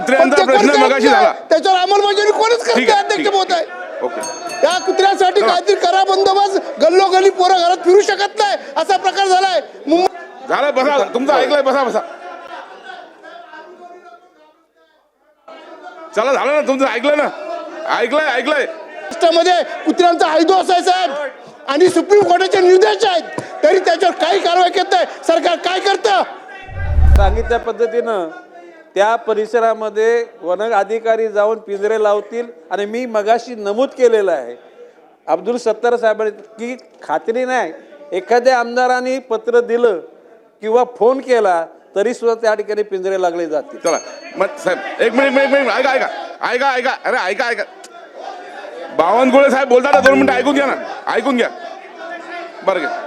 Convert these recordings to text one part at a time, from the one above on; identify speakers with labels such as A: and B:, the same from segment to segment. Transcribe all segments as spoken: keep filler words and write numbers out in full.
A: कुत्र्यांचा प्रश्न मगाशी झाला,
B: त्याच्यावर अंमलबजावणी कोणच करते अध्यक्ष महोदय.
A: ओके,
B: त्या कुत्र्यासाठी काहीतरी करा बंदोबस्त. गल्लोगल्ली पोरं घरात फिरू शकत नाही असा प्रकार झालाय मुंबई.
A: झालं, बसा, तुमचं ऐकलंय, बसा बसा. चला, झालं ना तुमचं, ऐकलं ना, ऐकलंय ऐकलंय.
B: महाराष्ट्रामध्ये कुत्र्यांचा हैदोस आहे साहेब, आणि सुप्रीम कोर्टाचे निर्देश आहेत, तरी त्याच्यावर काही कारवाई करत नाही सरकार. काय करतं?
C: सांगितल्या पद्धतीनं त्या परिसरामध्ये वन अधिकारी जाऊन पिंजरे लावतील. आणि मी मगाशी नमूद केलेलं आहे अब्दुल सत्तार साहेबांनी की खात्री नाही, एखाद्या आमदारांनी पत्र दिलं किंवा फोन केला तरी सुद्धा त्या ठिकाणी पिंजरे लागले जातील.
A: चला मग साहेब, एक मिनिट एक मिनिट ऐका ऐका ऐका ऐका अरे ऐका ऐका बावनकुळे साहेब बोलतात ना, दोन मिनिटं ऐकून घ्या ना, ऐकून घ्या बरं घ्या.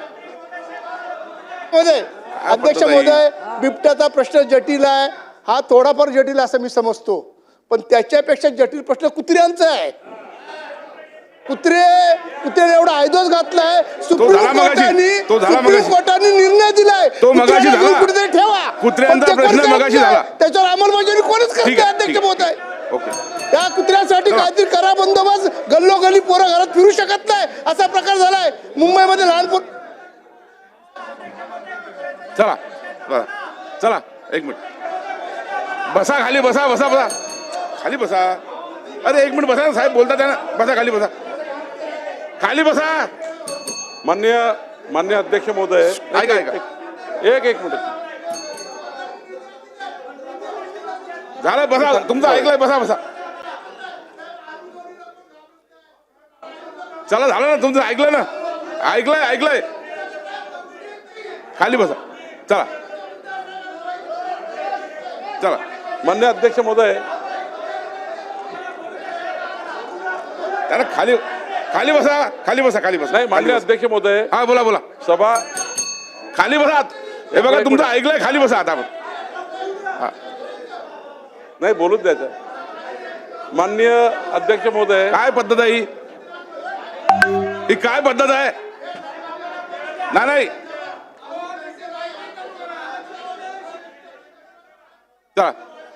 B: अध्यक्ष महोदय, बिबट्याचा प्रश्न जटिल आहे, हा थोडाफार जटिल असं मी समजतो, पण त्याच्यापेक्षा जटिल प्रश्न कुत्र्यांचा आहे. कुत्रे कुत्र्याने एवढा हैदोस घातलाय, सुप्रीम कोर्टाने सुप्रीम कोर्टाने निर्णय दिलाय
A: तो मगाशी झाला,
B: कुत्रे ठेवा.
A: कुत्र्यांचा प्रश्न मगाशी झाला,
B: त्याच्यावर अंमलबजावणी कोणच करते अध्यक्ष महोदय.
A: ओके,
B: त्या कुत्र्यासाठी काहीतरी करा बंदोबस्त. गल्लोगल्ली पोरं घरात फिरू शकत नाही असा प्रकार झालाय मुंबईमध्ये. लहान पोर.
A: चला चला चला एक मिनिट बसा, खाली बसा बसा बसा खाली बसा. अरे एक मिनिट बसा, साहेब बोलतात ना, बसा खाली बसा, खाली बसा.
D: मान्य मान्य अध्यक्ष महोदय,
A: ऐका ऐका
D: एक एक मिनिट
A: झालं, बसा, तुमचं ऐकलंय, बसा बसा. चला, झालं ना तुमचं, ऐकलं ना, ऐकलंय ऐकलंय खाली बसा. चला चला
D: मान्य अध्यक्ष महोदय,
A: त्याला खाली खाली बसा, खाली बसा, खाली बसा.
D: नाही मान्य अध्यक्ष महोदय,
A: हा बोला बोला,
D: सभा
A: खाली बसा. हे बघा तुमचं ऐकलंय, खाली बसा आता. हा
D: नाही बोलूच द्यायचं. माननीय अध्यक्ष महोदय,
A: काय पद्धत आहे ही? ही काय पद्धत आहे? नाही नाही, चला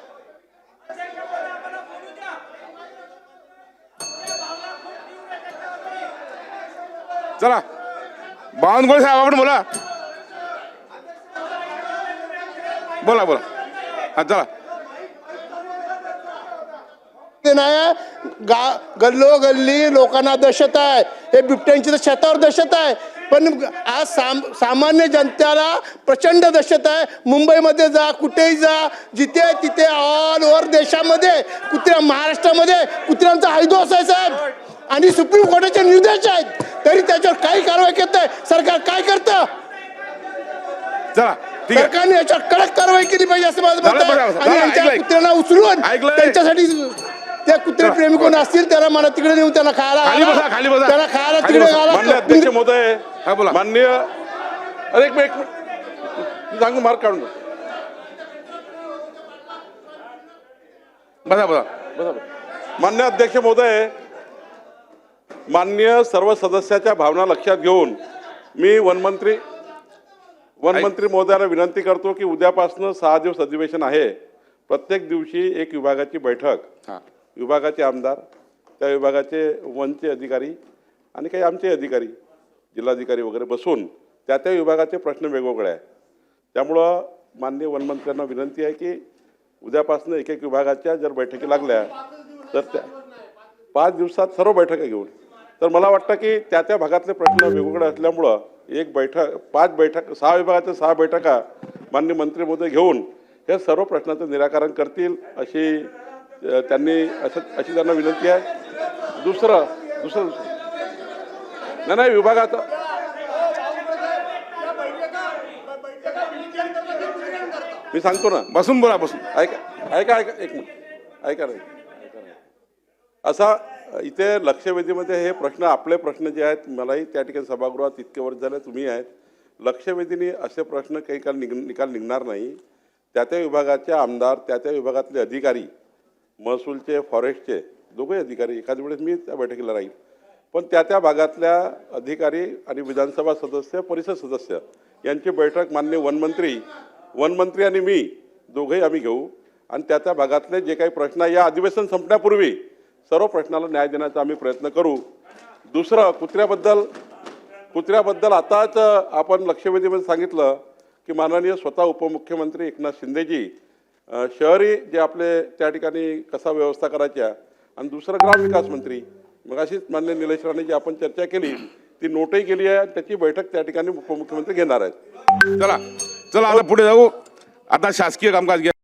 A: चला बावनकुळे साहेब, आपण बोला बोला बोला हा चला.
B: ते नाही गा गल्लो गल्ली लोकांना दहशत आहे, हे बिबट्यांची तर शेतावर दहशत आहे, पण आज साम सामान्य जनतेला प्रचंड दहशत आहे. मुंबईमध्ये जा, कुठेही जा, जिथे तिथे ऑल ओव्हर देशामध्ये कुत्र्या, महाराष्ट्रामध्ये कुत्र्यांचा हैदोस आहे साहेब, आणि सुप्रीम कोर्टाचे निर्देश आहेत, तरी त्याच्यावर काही कारवाई करत नाही सरकार. काय करतं?
A: चला ठीक आहे,
B: सरकारने याच्यावर कडक कारवाई केली पाहिजे असं माझं मत आहे. आणि यांच्या कुत्र्यांना उचलून त्यांच्यासाठी त्या कुत्रे प्रेमी कोण असतील त्याला मला तिकडे नेऊन त्याला खायला
A: खाली बसा, खाली बसा,
B: त्याला खायला
A: खाली
B: तिकडे
A: बसा.
D: मान्य अध्यक्ष महोदय,
A: हा बोला.
D: माननीय अरे एक मिनिट मी सांगू, मार्क काढून
A: बसा बसा.
D: बसा. मान्य अध्यक्ष महोदय, मान्य सर्व सदस्याच्या भावना लक्षात घेऊन मी वनमंत्री वनमंत्री महोदयाला विनंती करतो की उद्यापासून सहा दिवस अधिवेशन आहे. प्रत्येक दिवशी एक विभागाची बैठक,
A: हा
D: विभागाचे आमदार, त्या विभागाचे वनचे अधिकारी आणि काही आमचे अधिकारी, जिल्हाधिकारी वगैरे बसून त्या त्या विभागाचे प्रश्न वेगवेगळे आहेत. त्यामुळं माननीय वनमंत्र्यांना विनंती आहे की उद्यापासून एक एक विभागाच्या जर बैठकी लागल्या तर त्या पाच दिवसात सर्व बैठका घेऊन, तर मला वाटतं की त्या त्या भागातले प्रश्न वेगवेगळे असल्यामुळं एक बैठक, पाच बैठक, सहा विभागाच्या सहा बैठका माननीय मंत्री महोदय घेऊन हे सर्व प्रश्नाचं निराकरण करतील अशी त्यांनी असं अशी त्यांना विनंती आहे. दुसरं दुसरं नाही नाही विभागाचं मी सांगतो ना,
A: बसून बोला, बसून
D: ऐका ऐका ऐका एक मिनिट ऐका नाही ऐका नाही असा इथे लक्षवेधीमध्ये हे प्रश्न, आपले प्रश्न जे आहेत, मलाही त्या ठिकाणी सभागृहात इतके वर्ष झाले, तुम्ही आहेत, लक्षवेधीने असे प्रश्न काही काल निघ निकाल निघणार नाही. त्या त्या विभागाचे आमदार, त्या त्या विभागातले अधिकारी, महसूलचे, फॉरेस्टचे दोघे अधिकारी, एखाद्या वेळेस मी त्या बैठकीला राहील, पण त्या त्या भागातल्या अधिकारी आणि विधानसभा सदस्य, परिषद सदस्य यांची बैठक माननीय वनमंत्री वनमंत्री आणि मी दोघेही आम्ही घेऊ आणि त्या त्या भागातले जे काही प्रश्न आहे या अधिवेशन संपण्यापूर्वी सर्व प्रश्नाला न्याय देण्याचा आम्ही प्रयत्न करू. दुसरं कुत्र्याबद्दल कुत्र्याबद्दल आताच आपण लक्षवेधीमध्ये सांगितलं की माननीय स्वतः उपमुख्यमंत्री एकनाथ शिंदेजी अ, शहरी जे आपले त्या ठिकाणी कसा व्यवस्था करायच्या आणि दुसरं ग्रामविकास मंत्री मग अशीच मान्य निलेश राणे जी आपण चर्चा केली ती नोटही केली आहे. त्याची बैठक त्या ठिकाणी उपमुख्यमंत्री घेणार आहेत.
A: चला चला आता पुढे जाऊ. आता शासकीय कामकाज घ्या.